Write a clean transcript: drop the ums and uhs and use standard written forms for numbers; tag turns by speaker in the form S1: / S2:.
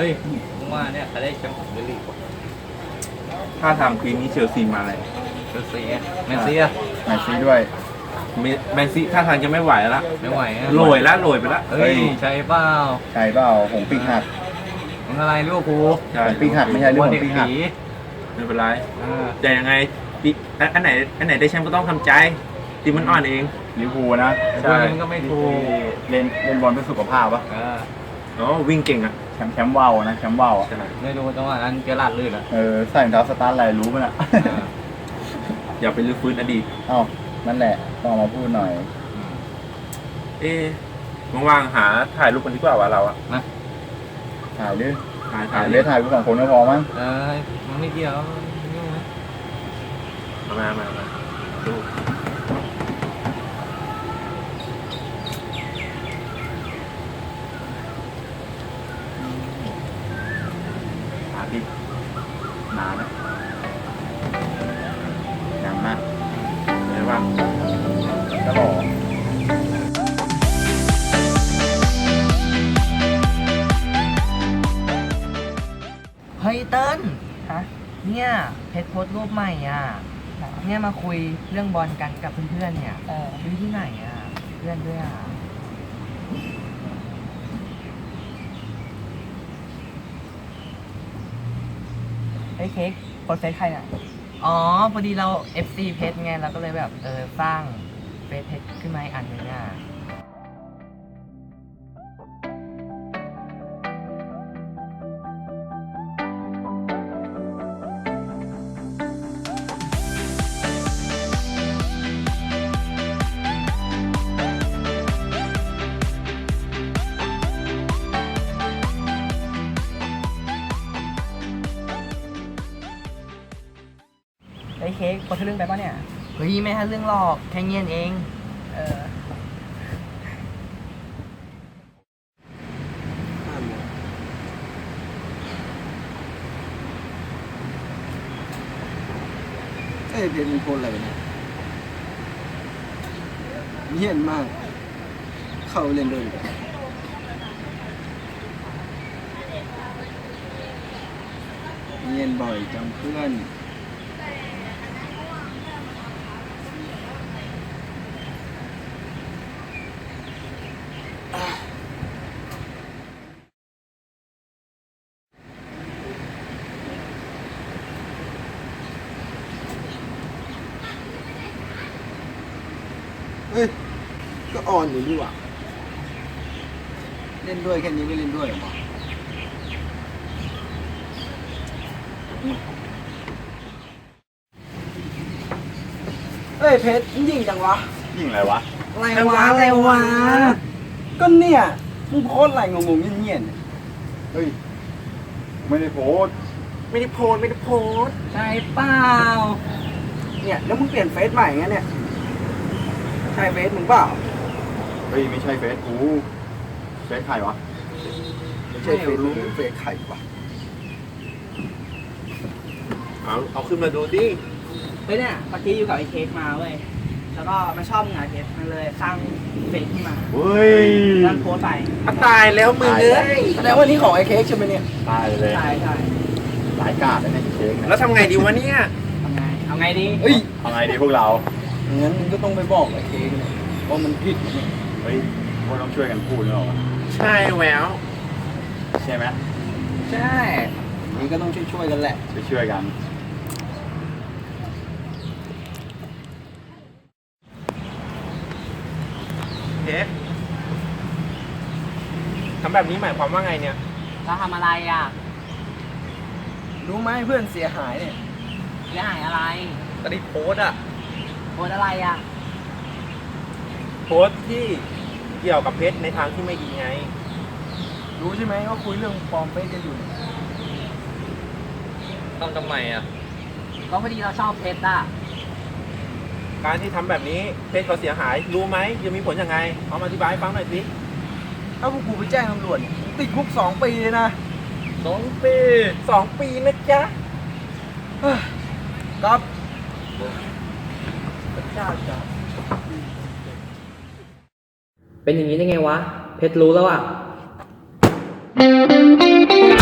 S1: ฮ้ยผมว่าเนี่ยใครได้แชมป์ของเบลลี่
S2: ถ้าทางปีนี้เชลซีมาเลย
S1: เชลซีแมนซีอะ
S3: แมนซีด้วย
S2: แมนซีถ้าทางจะไม่ไหวแล้ว
S1: ไม่ไหวอะ
S2: โรยไปแล้ว
S1: เฮ้ยใช่เปล่า
S3: ใช่เปล่าหงปีกหัก
S1: มึงอะไรลิเวอร์พูล
S2: ใช่
S3: ปีกหักไม่ใช่เรื่อง
S1: เด็
S3: ข
S1: ก
S3: องปีกหัก
S1: ผี
S2: ไม่เป็นไร
S1: เออ
S2: แต่ยังไงปีอันไหนได้แชมป์ก็ต้องทำใจทีมมันอ่อนเอง
S3: ลิเวอร์พูลนะ
S2: ใช่
S1: มันก็ไม่ถูก
S3: เล่นบอลเพื่อสุขภาพปะ
S1: เออ
S2: อ๋อวิ่งเก่งอ่ะ
S3: แชมป์ว่าวนะแชมป์ว่าวอะ
S2: ใช่
S1: ไม่รู้จังหวะนั้นเจอลาดลื่นอะ
S3: ใส่รองเท้าสตาร์ทอะไรรู้มั้ยน่ะ
S1: เออ
S2: อย่าไปลื้อฟื้นอดีต
S3: เอ้านั่นแหละต้องเอามาพูดหน่อย
S2: เอ๊ะว่างๆหาถ่ายรูปกันดีกว่าวะเราอะ
S1: นะ
S3: ถ่ายดิ
S2: ถ่าย
S3: ถ่ายเลยถ่ายกูสองคนก็พอมั้ง
S1: เออมันไม่เกี่ยวยุ่งนะ
S2: มาดู
S3: หาดินานนะยังมาก
S2: เห็นป่ะ
S3: ก็หล่อ
S4: เฮ้ยเติ้ลฮะเนี่ยเพชรโพสต์รูปใหม่อ่ะเนี่ยมาคุยเรื่องบอลกันกับเพื่อนๆเนี่ยดูที่ไหนอ่ะเพื่อนด้วยอ่ะเฮ้ยเค้กโพสเฟซใครน่ะอ๋อพอดีเรา FC เพชรไงเราก็เลยแบบสร้างเฟซเพชรขึ้นมาอีกอันหนึงอ่ะ ไอ้เค้กพอทะลึ่งไปป่ะเนี่ย เฮ้ยไม่ทะลึ่งหรอกแค่เงียนเอง
S5: เพจมึงโพสอะไรเนี่ยเหี้ยนมาก เข้าเล่นด้วยเงียนบ่อยจำเพื่อนเฮ้ย ก็อ่อนอยู่ดีว่ะเล่นด้วยแค่นี้ไม่เล่นด้วยเหรอวะเฮ้ยเพชรยิงจังวะ
S3: ยิ่งอะไรวะ
S5: อะไรวะ ก็เนี่ย มึงโพสอะไรงงๆเงียบๆเนี่ย
S3: เฮ้ยไม่ได้โพสต์
S5: ไม่ได้โพสต์
S4: ใช่เปล่า
S5: เนี่ย แล้วมึงเปลี่ยนเฟซใหม่งั้นเนี่ย ใช่เฟซมึงเปล่า
S3: เฮ้ยไม่ใช่เฟซกูเฟซใครวะ
S5: ไม่ใช่เฟซมึงเฟซใครวะ
S2: เอาขึ้นมาดูดิ
S4: เฮ้ยเนี่ยเมื่อกี้อยู่กับไอ้เค้กมาเว้ย แล้วก็มาชอบงานเพชรมันเลยสร้างเฟซขึ้นมา
S3: เฮ้ย
S4: แล้วโพสต์ไป
S2: ตายแล้วมึงเอ้ย
S5: แสดงว่านี่ของไอ้เค้กใช่ไหมเนี่ย
S3: ตายเลย
S4: ใช่ใช่
S3: หลายกาดเลยนะเค้กเนี่ย
S2: แล้วทำไงดีวะเนี่ย
S4: ทำไง เอาไงดี
S5: เฮ้ย
S3: เอาไงดีพวกเรา
S5: งั้นมึงก็ต้องไปบอกไอ้เค้กเนี่ยว่ามันผิดนะเนี่ย
S3: เฮ้ยพวกเราต้องช่วยกันพูดเนอะ
S2: ใช่แหวว
S3: ใช่ไหม
S4: ใช่
S5: นี่ก็ต้องช่วยๆกันแหละ
S3: ช่วยกัน
S2: เทปทำแบบนี้หมายความว่าไงเนี่ย
S4: เราทำอะไรอ่ะ
S5: รู้ไหมเพื่อนเสียหายเนี่ย
S4: เสียหายอะไร
S2: ก็ได้โพสต์อะ
S4: โพสต์อะไรอ่ะ
S2: โพสต์ที่เกี่ยวกับเพชรในทางที่ไม่ดีไง
S5: รู้ใช่ไหมว่าคุยเรื่องปลอมเฟซกันอยู่เนี่ย
S1: ทำไมอะ
S4: ก็พอดีเราชอบเพชรอ่ะ
S2: การที่ทำแบบนี้เพชรเขาเสียหาย รู้ไหมจะมีผลยังไงเอามาอธิบายให้ฟังหน่อยสิ
S5: ถ้าพวกกูไปแจ้งตำรวจเนี่ยติดคุก2 ปีเลยนะ
S2: 2 ปี2 ปีนะจ๊ะ
S5: ครับ
S2: พระเจ้าจ๊ะ
S4: เป็นอย่างนี้ได้ไงวะ เพชรรู้แล้วอ่ะ